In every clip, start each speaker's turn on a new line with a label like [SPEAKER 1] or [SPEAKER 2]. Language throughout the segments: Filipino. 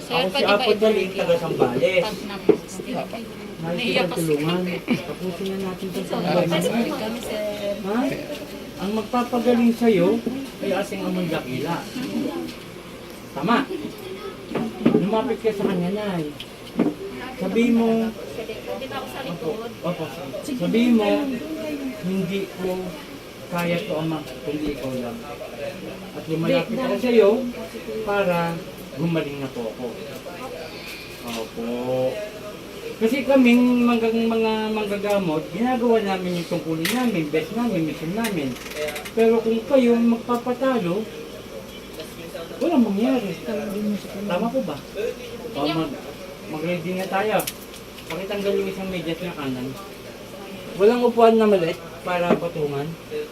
[SPEAKER 1] Ako si Apo Daling, taga Sambales.
[SPEAKER 2] Pag na-post.
[SPEAKER 1] Nais kitang tulungan. Tapusin na natin itong panggalingan.
[SPEAKER 2] Kami, sir.
[SPEAKER 1] Ha? Ang magpapagaling sa'yo ay ating among dakila. Tama. Lumapit ka sa kanya, Nay. Sabihin mo,
[SPEAKER 2] Di ba ako sa likod?
[SPEAKER 1] opo, sabihin mo, hindi ko kaya to ama, kundi ikaw lang. At lumalapit ako sa'yo para gumaling na po ako. Opo. Kasi kaming mga manggagamot, ginagawa namin yung tungkulin namin, best namin, mission namin. Pero kung kayo magpapatalo, walang mangyari. Tama po ba? O mag-ready na tayo. Pakitanggal yung isang medyas na kanan. Walang upuan na maliit para patungan.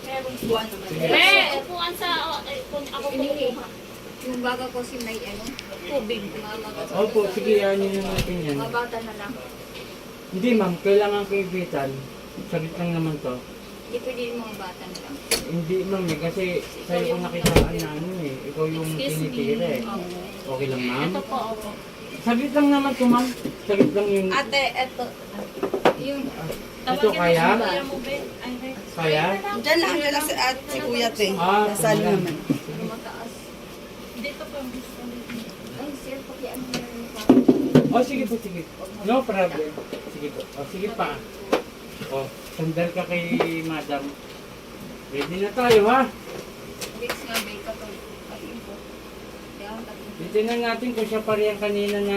[SPEAKER 2] Upuan sa, kung ako kumukuha.
[SPEAKER 3] Yung baga ko si may
[SPEAKER 2] Tubig.
[SPEAKER 1] Opo, sige, yan natin yan.
[SPEAKER 3] mga bata na lang.
[SPEAKER 1] Hindi ma'am, kailangan kaibitan. Saglit lang naman to.
[SPEAKER 3] Hindi pwede yung mga bata na lang.
[SPEAKER 1] Hindi ma'am kasi sa'yo ko nakitaan na ikaw yung tinitira eh. Okay lang ma'am?
[SPEAKER 2] Ito po ako.
[SPEAKER 1] Saglit lang naman to ma'am. Saglit lang yung...
[SPEAKER 3] Ate, eto. Yung,
[SPEAKER 1] Ito kaya? Kaya?
[SPEAKER 4] Diyan lang nila si Kuya Te. Nasaan
[SPEAKER 1] tumala.
[SPEAKER 4] naman.
[SPEAKER 3] mataas.
[SPEAKER 2] Dito po.
[SPEAKER 3] Ay, sir, pakiano na yung
[SPEAKER 1] Oh, sige po, sige. No problem. Sige po. Oh, sige pa. Oh, sandal ka kay madam. Ready na tayo ha?
[SPEAKER 3] Weeks nga, bay ka to. Ayun po. Yan,
[SPEAKER 1] Titignan natin kung siya pa rin kanina na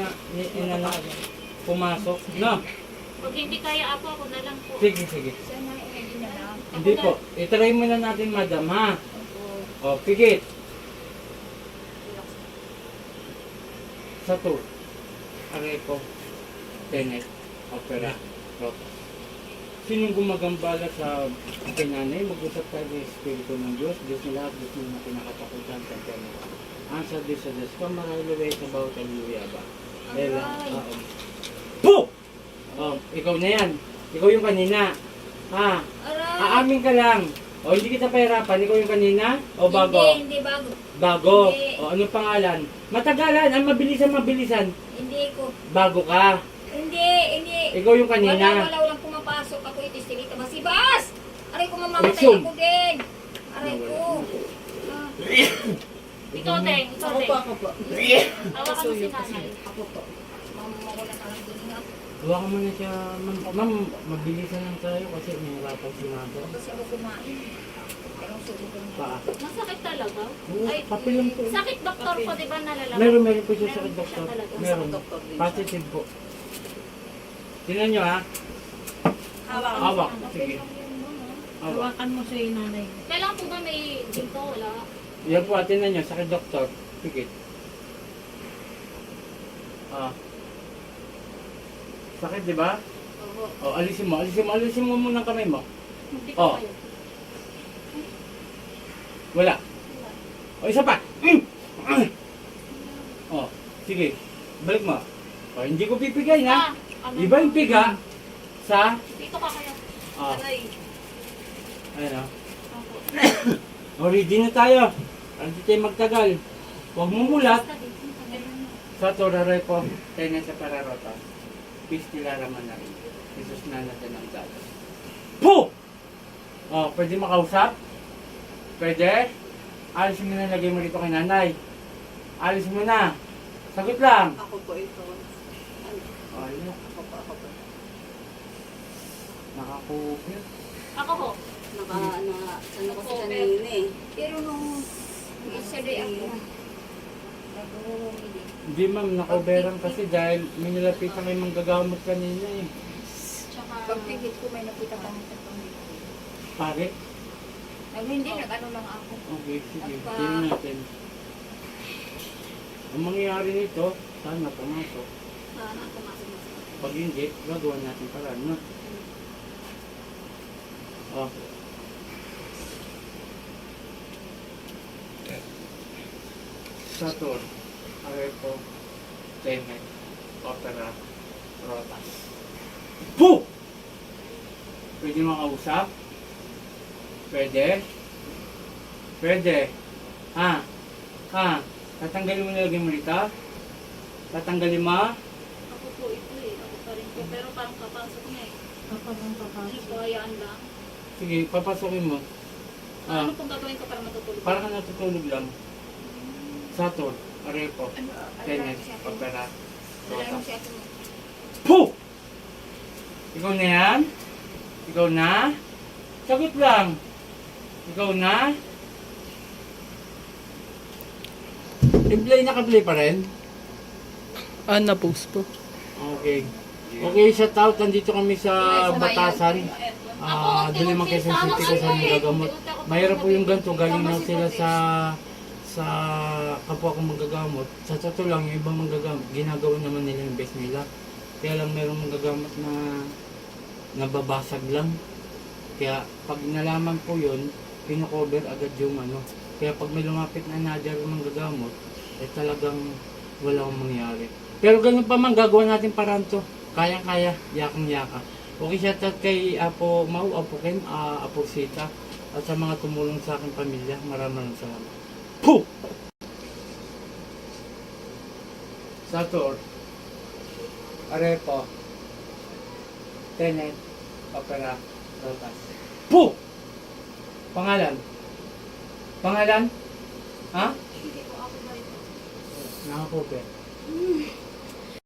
[SPEAKER 1] pumasok. No?
[SPEAKER 2] Pag hindi kaya ako na lang po.
[SPEAKER 1] Sige, sige.
[SPEAKER 3] siya na, hindi na lang.
[SPEAKER 1] Hindi po. I-try muna natin madam ha? Oh, pigit. Sa to. Arepo. Tenet. Opera. Roto. Sinong gumagambala sa pinanay? Mag-usap tayo ng Espiritu ng Diyos. Diyos na lahat. Diyos na pinakatakutan sa Panginoon. Answer this sa Diyos. Kamaralo way sa bawat hallelujah ba? Ela. Po! Oh, ikaw na yan. Ikaw yung kanina. Ha?
[SPEAKER 3] Aray!
[SPEAKER 1] Aamin ka lang. O hindi kita pahirapan. Ikaw yung kanina? O bago?
[SPEAKER 3] Hindi bago.
[SPEAKER 1] Bago.
[SPEAKER 3] Hindi.
[SPEAKER 1] O anong pangalan? Matagalan. Ang mabilisan.
[SPEAKER 3] Hindi ko.
[SPEAKER 1] Bago ka.
[SPEAKER 3] Hindi.
[SPEAKER 1] Ikaw yung kanina.
[SPEAKER 3] Walang pumapasok. Ako itistilita. Masibas! Aray ko, mamamatay
[SPEAKER 1] Resume.
[SPEAKER 3] ako din. Aray ko. Ah,
[SPEAKER 2] Ikaw din. Ikaw din.
[SPEAKER 4] Ako po.
[SPEAKER 2] Hawakan mo si nanay.
[SPEAKER 4] Ako po.
[SPEAKER 3] mamawalan ka lang din nga.
[SPEAKER 1] Huwag mo na siya. Ma'am, mabilisan lang tayo kasi may hirapan si Mado.
[SPEAKER 3] Kasi ako kumain. Pero sulit ko na.
[SPEAKER 1] Paa.
[SPEAKER 2] Masakit talaga?
[SPEAKER 1] Oo,
[SPEAKER 2] Ay,
[SPEAKER 1] papel lang po.
[SPEAKER 2] sakit doktor po, di ba nalalaman?
[SPEAKER 1] Meron po siya sa
[SPEAKER 2] Meron
[SPEAKER 1] doktor.
[SPEAKER 2] siya talaga.
[SPEAKER 1] Meron.
[SPEAKER 4] Doktor din siya.
[SPEAKER 1] Positive po. Tingnan nyo ha. Hawak. Sige. Hawak.
[SPEAKER 5] Hawakan mo sa nanay.
[SPEAKER 2] Kailangan po ba may dito? Wala.
[SPEAKER 1] Yan po, tingnan nyo. Sakit doktor. Pigit. Ah. Sakit, di ba?
[SPEAKER 3] Oo.
[SPEAKER 1] O, alisin mo muna ang kamay mo.
[SPEAKER 2] Hindi
[SPEAKER 1] Oh.
[SPEAKER 2] ko kayo.
[SPEAKER 1] Wala. O, isa pa. O, sige. Balik mo. O, hindi ko pipigay na.
[SPEAKER 2] Ano?
[SPEAKER 1] Iba yung piga sa...
[SPEAKER 2] Dito ka kaya.
[SPEAKER 1] O,
[SPEAKER 4] Aray.
[SPEAKER 1] ayun o.
[SPEAKER 2] Opo.
[SPEAKER 1] O, ready na tayo. Hindi tayo magtagal. Huwag mong mulat.
[SPEAKER 2] Basta dito.
[SPEAKER 1] Sa toraray ko, tayo na sa pararota. Peace nilaraman na rin. Jesus na natin ang dalos. Po! O, pwede makausap? Pwede? Alis mo na, lagay mo rito kay nanay. Alis mo na. Sagot lang.
[SPEAKER 4] Ako po ito.
[SPEAKER 1] O, yun.
[SPEAKER 4] Ako po.
[SPEAKER 1] Nakakupit.
[SPEAKER 2] Ako ho.
[SPEAKER 4] Saan ako si kanina eh.
[SPEAKER 3] Pero nung isa day ako, nag-uumili.
[SPEAKER 1] Hindi ma'am, nakoberan kasi dahil may nilapitan kayo manggagamot kanina eh.
[SPEAKER 2] Tsaka,
[SPEAKER 3] Pagpigit ko may nakita kami sa pamilya.
[SPEAKER 1] Pare?
[SPEAKER 3] Hindi, nag-ano lang ako.
[SPEAKER 1] Okay, sige. Tingnan natin. Ang mangyayari nito, sana pumasok.
[SPEAKER 3] Sana pumasok na sa
[SPEAKER 1] Pag hindi, gagawa natin paraan, no? Oh. Saturn, Arepo, Tenet, Opera, Rotas. Po! Pwede makausap? Pwede? Pwede. Ha? Ha? Tatanggalin mo na lagay mo rito? Tatanggalin mo?
[SPEAKER 2] Ako po ito eh. Ako pa rin po. Pero parang papasok niya eh. Ano po, hayaan lang.
[SPEAKER 1] Sige, papasokin mo. Ah,
[SPEAKER 2] Ano pong gagawin ko para matutulog?
[SPEAKER 1] para ka natutulog lang. Saturn, arepo, tennis, opera,
[SPEAKER 3] Wala
[SPEAKER 1] rota.
[SPEAKER 3] mo si ate mo.
[SPEAKER 1] Puh! Ikaw na yan? Ikaw na? Sagot lang. Ikaw na? I-play, naka-play pa rin?
[SPEAKER 5] Na-post po.
[SPEAKER 1] Okay. Okay, shout out. Nandito kami sa Batasan. Diliman Quezon City kasi nagagamot. Mahirap po yung ganito. Galing na sila sa kapwa kong manggagamot. Sa totoo lang, yung ibang manggagamot, ginagawa naman nila yung best nila. Kaya lang merong manggagamot na nababasag lang. Kaya pag nalaman po yun, pino-cover agad yung ano. Kaya pag may lumapit na nadya yung manggagamot, eh talagang wala akong mangyari. Pero ganun pa man, gagawa natin paraan to. Kayang-kaya, yakang-yaka. Okay, shout out kay Apo Mau, Apo Ken, Apo Sita, at sa mga tumulong sa aking pamilya. Maraming salamat. Puh! Satur, Arepo, Tenet, Opera, Rotas. Puh! Pangalan? Pangalan? Ha?
[SPEAKER 2] Hindi po ako ba ito?
[SPEAKER 1] Nakakope.